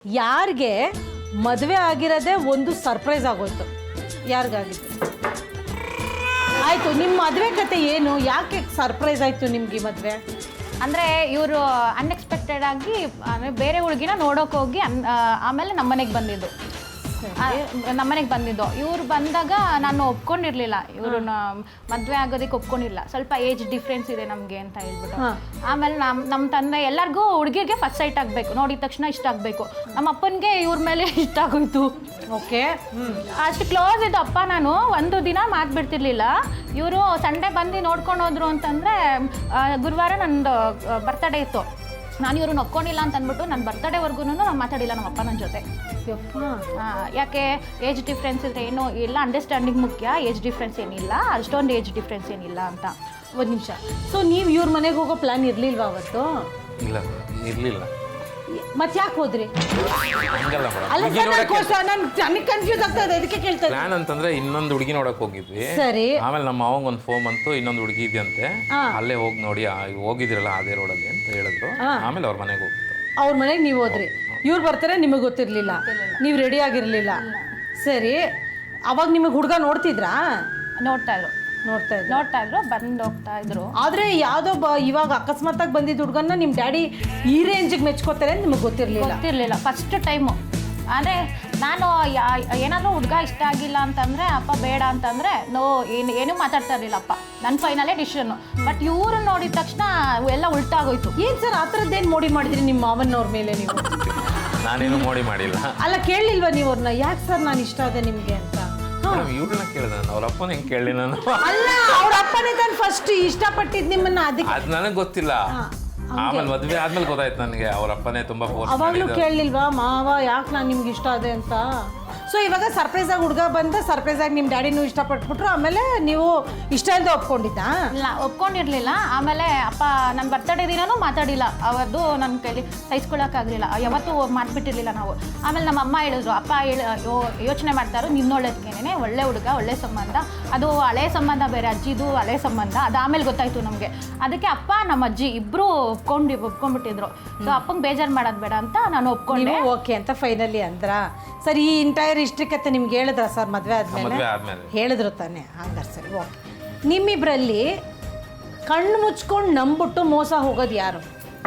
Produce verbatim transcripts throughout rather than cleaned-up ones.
ಯಾರಿಗೆ ಮದುವೆ ಆಗಿರೋದೇ ಒಂದು ಸರ್ಪ್ರೈಸ್ ಆಗೋಯ್ತು? ಯಾರಿಗಾಗಿತ್ತು? ಆಯಿತು, ನಿಮ್ಮ ಮದುವೆ ಕತೆ ಏನು? ಯಾಕೆ ಸರ್ಪ್ರೈಸ್ ಆಯಿತು ನಿಮ್ಗೆ ಈ ಮದುವೆ? ಅಂದರೆ ಇವರು ಅನ್ಎಕ್ಸ್ಪೆಕ್ಟೆಡ್ ಆಗಿ ಅಂದರೆ ಬೇರೆ ಹುಡುಗಿನ ನೋಡೋಕೆ ಹೋಗಿ ಅನ್ ಆಮೇಲೆ ನಮ್ಮನೆಗೆ ಬಂದಿದ್ದು ನಮ್ಮನೆಗೆ ಬಂದಿದ್ದು ಇವ್ರು ಬಂದಾಗ ನಾನು ಒಪ್ಕೊಂಡಿರ್ಲಿಲ್ಲ. ಇವ್ರನ್ನ ಮದುವೆ ಆಗೋದಕ್ಕೆ ಒಪ್ಕೊಂಡಿಲ್ಲ. ಸ್ವಲ್ಪ ಏಜ್ ಡಿಫ್ರೆನ್ಸ್ ಇದೆ ನಮಗೆ ಅಂತ ಹೇಳ್ಬಿಟ್ಟು. ಆಮೇಲೆ ನಮ್ಮ ನಮ್ಮ ತಂದೆ ಎಲ್ಲರಿಗೂ ಹುಡುಗಿಗೆ ಫಸ್ಟ್ ಸೈಟ್ ಆಗಬೇಕು, ನೋಡಿದ ತಕ್ಷಣ ಇಷ್ಟ ಆಗಬೇಕು. ನಮ್ಮ ಅಪ್ಪನಿಗೆ ಇವ್ರ ಮೇಲೆ ಇಷ್ಟ ಆಗೋಯ್ತು. ಓಕೆ, ಅಷ್ಟು ಕ್ಲೋಸ್ ಇದ್ದು ಅಪ್ಪ ನಾನು ಒಂದು ದಿನ ಮಾತು ಬಿಡ್ತಿರ್ಲಿಲ್ಲ. ಇವರು ಸಂಡೇ ಬಂದು ನೋಡ್ಕೊಂಡು ಹೋದ್ರು ಅಂತಂದರೆ ಗುರುವಾರ ನಂದು ಬರ್ತಡೇ ಇತ್ತು. ನಾನು ಇವ್ರನ್ನ ಒಪ್ಕೊಂಡಿಲ್ಲ ಅಂತ ಅಂದ್ಬಿಟ್ಟು ನನ್ನ ಬರ್ತಡೇವರೆಗೂ ನಾನು ಮಾತಾಡಿಲ್ಲ ನಮ್ಮ ಅಪ್ಪ ನನ್ನ ಜೊತೆ. ಯಾಕೆ ಏಜ್ ಡಿಫ್ರೆನ್ಸ್ ಇದ್ರೆ ಏನೋ ಇಲ್ಲ, ಅಂಡರ್ಸ್ಟ್ಯಾಂಡಿಂಗ್ ಮುಖ್ಯ, ಏಜ್ ಡಿಫ್ರೆನ್ಸ್ ಏನಿಲ್ಲ, ಅಷ್ಟೊಂದು ಏಜ್ ಡಿಫ್ರೆನ್ಸ್ ಏನಿಲ್ಲ ಅಂತ. ಒಂದು ನಿಮಿಷ, ಸೊ ನೀವು ಇವ್ರ ಮನೆಗೆ ಹೋಗೋ ಪ್ಲಾನ್ ಇರಲಿಲ್ವಾ ಅವತ್ತು? ಇಲ್ಲ ಇರಲಿಲ್ಲ. ಮತ್ತೆ ಯಾಕೆ ಹೋದ್ರಿ? ಹಂಗಲ್ಲ ಅಲ್ಲ ಸರ್, ನಾನು ನನಗೆ ಕನ್ಫ್ಯೂಸ್ ಆಗ್ತಾ ಇದೆ, ಅದಕ್ಕೆ ಕೇಳ್ತಾ ಇದ್ದೀನಿ. ಪ್ಲಾನ್ ಅಂತಂದ್ರೆ ಇನ್ನೊಂದು ಹುಡುಗಿ ನೋಡಕ್ ಹೋಗಿದ್ವಿ. ಸರಿ. ಆಮೇಲೆ ನಮ್ಮ ಮಾವಂಗ ಒಂದು ಫೋನ್ ಬಂತು, ಇನ್ನೊಂದು ಹುಡುಗಿ ಇದೆಯಂತೆ, ಅಲ್ಲೇ ಹೋಗಿ ನೋಡಿ ಹೋಗಿದ್ರಲ್ಲ ಅದೇ ರೋಡಲ್ಲಿ ಅಂತ ಹೇಳಿದ್ರು. ಆಮೇಲೆ ಅವ್ರ ಮನೆಗೆ ಹೋಗ್ಬಿಟ್ಟು ಅವ್ರ ಮನೆಗೆ ನೀವು ಹೋದ್ರಿ. ಇವ್ರು ಬರ್ತಾರೆ, ನಿಮಗೆ ಗೊತ್ತಿರಲಿಲ್ಲ, ನೀವು ರೆಡಿ ಆಗಿರಲಿಲ್ಲ. ಸರಿ, ಅವಾಗ ನಿಮಗೆ ಹುಡುಗ ನೋಡ್ತಿದ್ರಾ? ನೋಡ್ತಾ ಇದ್ರು ನೋಡ್ತಾ ಇದ್ರು ನೋಡ್ತಾ ಇದ್ರು ಬಂದು ಹೋಗ್ತಾ ಇದ್ರು. ಆದರೆ ಯಾವುದೋ ಬ ಇವಾಗ ಅಕಸ್ಮಾತಾಗಿ ಬಂದಿದ್ದ ಹುಡುಗನ್ನ ನಿಮ್ಮ ಡ್ಯಾಡಿ ಈ ರೇಂಜಿಗೆ ಮೆಚ್ಕೋತಾರೆ ಅಂತ ನಿಮಗೆ ಗೊತ್ತಿರಲಿಲ್ಲ? ಗೊತ್ತಿರಲಿಲ್ಲ ಫಸ್ಟ್ ಟೈಮು. ಅಂದರೆ ನಾನು ಏನಾದರೂ ಹುಡುಗ ಇಷ್ಟ ಆಗಿಲ್ಲ ಅಂತಂದರೆ ಅಪ್ಪ ಬೇಡ ಅಂತಂದರೆ ನೋ ಏನು ಏನೂ ಮಾತಾಡ್ತಾ ಇರಲಿಲ್ಲ ಅಪ್ಪ. ನನ್ನ ಫೈನಲೇ ಡಿಸಿಷನ್ನು. ಬಟ್ ಇವರು ನೋಡಿದ ತಕ್ಷಣ ಎಲ್ಲ ಉಲ್ಟಾಗೋಯ್ತು. ಏನು ಸರ್ ಆ ಥರದ್ದೇನು ಮೋಡಿ ಮಾಡಿದ್ರಿ ನಿಮ್ಮ ಮಾವನವ್ರ ಮೇಲೆ ನೀವು? ನಾನೇನು ಮೋಡಿ ಮಾಡಿಲ್ಲ. ಅಲ್ಲ ಕೇಳಲಿಲ್ವಾ ನೀವು ಅವ್ರನ್ನ, ಯಾಕೆ ಸರ್ ನಾನು ಇಷ್ಟ ಆದೆ ನಿಮಗೆ ಅಂತ? ಇವ್ರನ್ನ ಕೇಳಿದ, ಅವ್ರ ಅಪ್ಪನ ಹೆಂಗೆ ಕೇಳಿ ನಾನು? ಅಲ್ಲ, ಅವ್ರ ಅಪ್ಪನೇ ತಾನು ಫಸ್ಟ್ ಇಷ್ಟಪಟ್ಟಿದ್ದು ನಿಮ್ಮನ್ನ. ಅದಕ್ಕೆ ಅದು ನನಗೆ ಗೊತ್ತಿಲ್ಲ. ಆಮೇಲೆ ಮದುವೆ ಆದ್ಮೇಲೆ ಗೊತ್ತಾಯ್ತು ನನಗೆ ಅವ್ರ ಅಪ್ಪನೇ ತುಂಬಾ ಫೋರ್ಸ್ ಮಾಡಿದ್ರು. ಅವಾಗಲೂ ಕೇಳಲಿಲ್ವಾ ಮಾವ ಯಾಕೆ ನಾನು ನಿಮ್ಗೆ ಇಷ್ಟ ಆದೆ ಅಂತ? ಸೊ ಇವಾಗ ಸರ್ಪ್ರೈಸ್ ಆಗಿ ಹುಡುಗ ಬಂದ, ಸರ್ಪ್ರೈಸ್ ಆಗಿ ನಿಮ್ಮ ಡ್ಯಾಡಿನೂ ಇಷ್ಟಪಟ್ಬಿಟ್ರು, ಆಮೇಲೆ ನೀವು ಇಷ್ಟ ಅಂತ ಒಪ್ಕೊಂಡಿದ್ದಾ? ಇಲ್ಲ, ಒಪ್ಕೊಂಡಿರಲಿಲ್ಲ. ಆಮೇಲೆ ಅಪ್ಪ ನನ್ನ ಬರ್ತಡೇ ದಿನನೂ ಮಾತಾಡಿಲ್ಲ. ಅವತ್ತು ನನ್ನ ಕೈಲಿ ಸಹಿಸ್ಕೊಳ್ಳೋಕ್ಕಾಗಲಿಲ್ಲ, ಯಾವತ್ತೂ ಮಾಡಿಬಿಟ್ಟಿರಲಿಲ್ಲ ನಾವು. ಆಮೇಲೆ ನಮ್ಮ ಅಮ್ಮ ಹೇಳಿದ್ರು, ಅಪ್ಪ ಹೇಳಿ ಯೋಚನೆ ಮಾಡ್ತಾರೋ ನಿನ್ನೊಳ್ಳೇದಕ್ಕೇನೆ, ಒಳ್ಳೆ ಹುಡುಗ, ಒಳ್ಳೆ ಸಂಬಂಧ, ಅದು ಹಳೆ ಸಂಬಂಧ ಬೇರೆ, ಅಜ್ಜಿದು ಹಳೆ ಸಂಬಂಧ, ಅದು ಆಮೇಲೆ ಗೊತ್ತಾಯ್ತು ನಮಗೆ. ಅದಕ್ಕೆ ಅಪ್ಪ ನಮ್ಮ ಅಜ್ಜಿ ಇಬ್ಬರು ಒಪ್ಕೊಂಡು ಒಪ್ಕೊಂಡ್ಬಿಟ್ಟಿದ್ರು. ಸೊ ಅಪ್ಪಂಗೆ ಬೇಜಾರು ಮಾಡೋದು ಬೇಡ ಅಂತ ನಾನು ಒಪ್ಕೊಂಡೆ. ಓಕೆ ಅಂತ ಫೈನಲಿ ಅಂದ್ರ. ಸರಿ, ಈ ಇಂಟೈರ್ ಇಷ್ಟಕ್ಕೆ ನಿಮ್ಗೆ ಹೇಳಿದ್ರ ಸರ್ ಮದುವೆ ಆದ್ಮೇಲೆ? ಹೇಳಿದ್ರು ತಾನೆ? ಹಂಗಾರೆ ಸರಿ, ಓಕೆ. ನಿಮ್ಮಿಬ್ಬರಲ್ಲಿ ಕಣ್ಣು ಮುಚ್ಕೊಂಡು ನಂಬಿಟ್ಟು ಮೋಸ ಹೋಗೋದು ಯಾರು?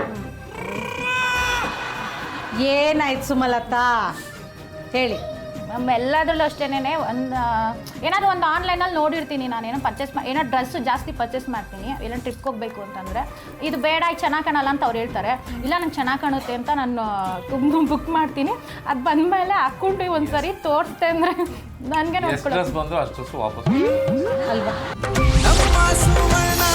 ಏನಾಯ್ತು ಸುಮಲತಾ ಹೇಳಿ. ನಮ್ಮ ಎಲ್ಲದರಲ್ಲೂ ಅಷ್ಟೇನೆ ಒಂದು ಏನಾದರೂ ಒಂದು ಆನ್ಲೈನಲ್ಲಿ ನೋಡಿರ್ತೀನಿ ನಾನು, ಏನೋ ಪರ್ಚೇಸ್ ಮಾ ಏನೋ ಡ್ರೆಸ್ಸು ಜಾಸ್ತಿ ಪರ್ಚೇಸ್ ಮಾಡ್ತೀನಿ, ಏನೋ ಟ್ರಿಪ್ಗೆ ಹೋಗಬೇಕು ಅಂತಂದರೆ. ಇದು ಬೇಡ, ಇದು ಚೆನ್ನಾಗಿ ಕಾಣಲ್ಲ ಅಂತ ಅವ್ರು ಹೇಳ್ತಾರೆ. ಇಲ್ಲ ನಂಗೆ ಚೆನ್ನಾಗಿ ಕಾಣುತ್ತೆ ಅಂತ ನಾನು ತುಂಬ ಬುಕ್ ಮಾಡ್ತೀನಿ. ಅದು ಬಂದಮೇಲೆ ಹಾಕ್ಕೊಂಡು ಒಂದು ಸರಿ ತೋರಿಸ್ತೆ ಅಂದರೆ ನನಗೆ ನೋಡ್ಕೊಳ್ಳೋದು ಬಂದು ಅಷ್ಟು ವಾಪಸ್ ಅಲ್ವಾ?